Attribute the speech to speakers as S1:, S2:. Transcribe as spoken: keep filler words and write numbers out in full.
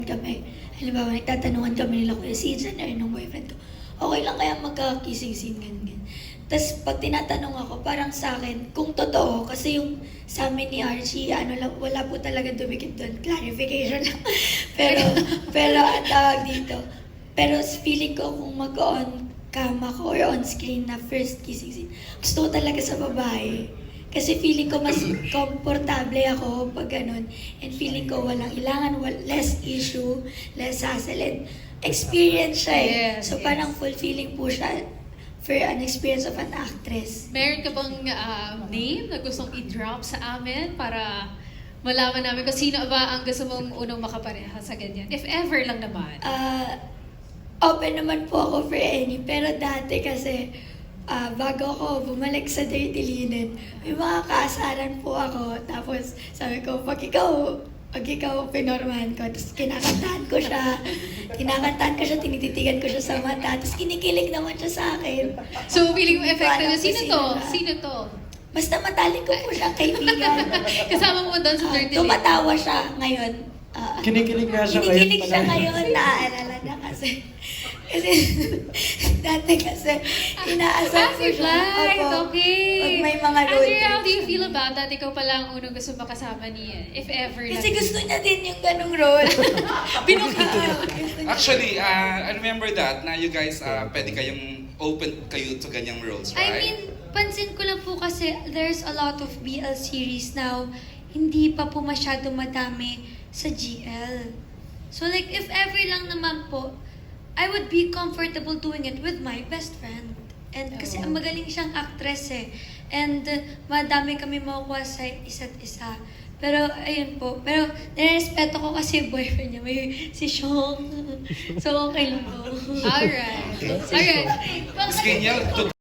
S1: kami, halimbawa, nagtatanungan kami nila Kuya Season or nung boyfriend ko, okay lang kaya magka-kissing scene, ganyan, ganyan. Tapos pag tinatanong ako, parang sa akin, kung totoo, kasi yung sa amin ni Archie, ano lang, wala po talaga dumikit doon, clarification lang. pero, pero ang tawag dito, pero feeling ko kung mag-on cam ako or on screen na first kissing scene, gusto ko talaga sa babae. Kasi feeling ko mas komportable ako pag ganun. And feeling ko walang ilangan, wal- less issue, less hassle, and experience siya eh.
S2: Yes,
S1: So
S2: yes.
S1: parang fulfilling po siya for an experience of an actress.
S2: Meron ka bang ah, name na gustong i-drop sa amin para malaman namin kung sino ba ang gusto mong unang makapareha sa ganyan? If ever lang naman.
S1: Ah, open naman po ako for any, pero dati kasi ah, bago ako bumalik sa Dirty Linen, may mga kaasaran po ako. Tapos sabi ko, pag ikaw, pag ikaw pinormahan ko, tapos kinakantahan ko siya, kinakantahan ko siya, tinititigan ko siya sa mata, tapos kinikilig naman siya sa akin.
S2: So, feeling mo effective
S1: Parang
S2: na, sino to?
S1: sino siya?
S2: Sino to?
S1: Basta matalik ko po siyang kaibigan.
S2: Kasama mo doon sa
S1: Ah,
S2: Dirty Linen?
S1: tumatawa siya ngayon. Ah,
S3: Kinikilig nga siya ngayon
S1: Kinikilig siya
S3: pala.
S1: ngayon, naaalala na kasi. Kasi dati kasi inaasar ko
S2: Passive
S1: siya.
S2: light,
S1: Opo.
S2: okay.
S1: Pag may mga road
S2: Andrea, how
S1: trips.
S2: do you feel about that? Ikaw pala ang unang gusto makasama niya. If ever lang.
S1: Kasi gusto niya din yung ganong role.
S2: Binukit
S1: Ah, gusto niya.
S4: Actually, uh, I remember that na you guys, uh, pwede kayong open kayo to ganyang roles,
S5: I
S4: right?
S5: mean, pansin ko lang po kasi there's a lot of B L series now, hindi pa po masyado madami sa G L. So like, if ever lang naman po, I would be comfortable doing it with my best friend. And kasi
S2: Oo.
S5: ang magaling siyang actress eh. And uh, madami kami makukuha sa isa't isa. Pero, ayun po. Pero, nirespeto ko kasi yung boyfriend niya. May si Sean. So, okay lang po.
S2: Alright. Alright.
S4: Miss Kenya, to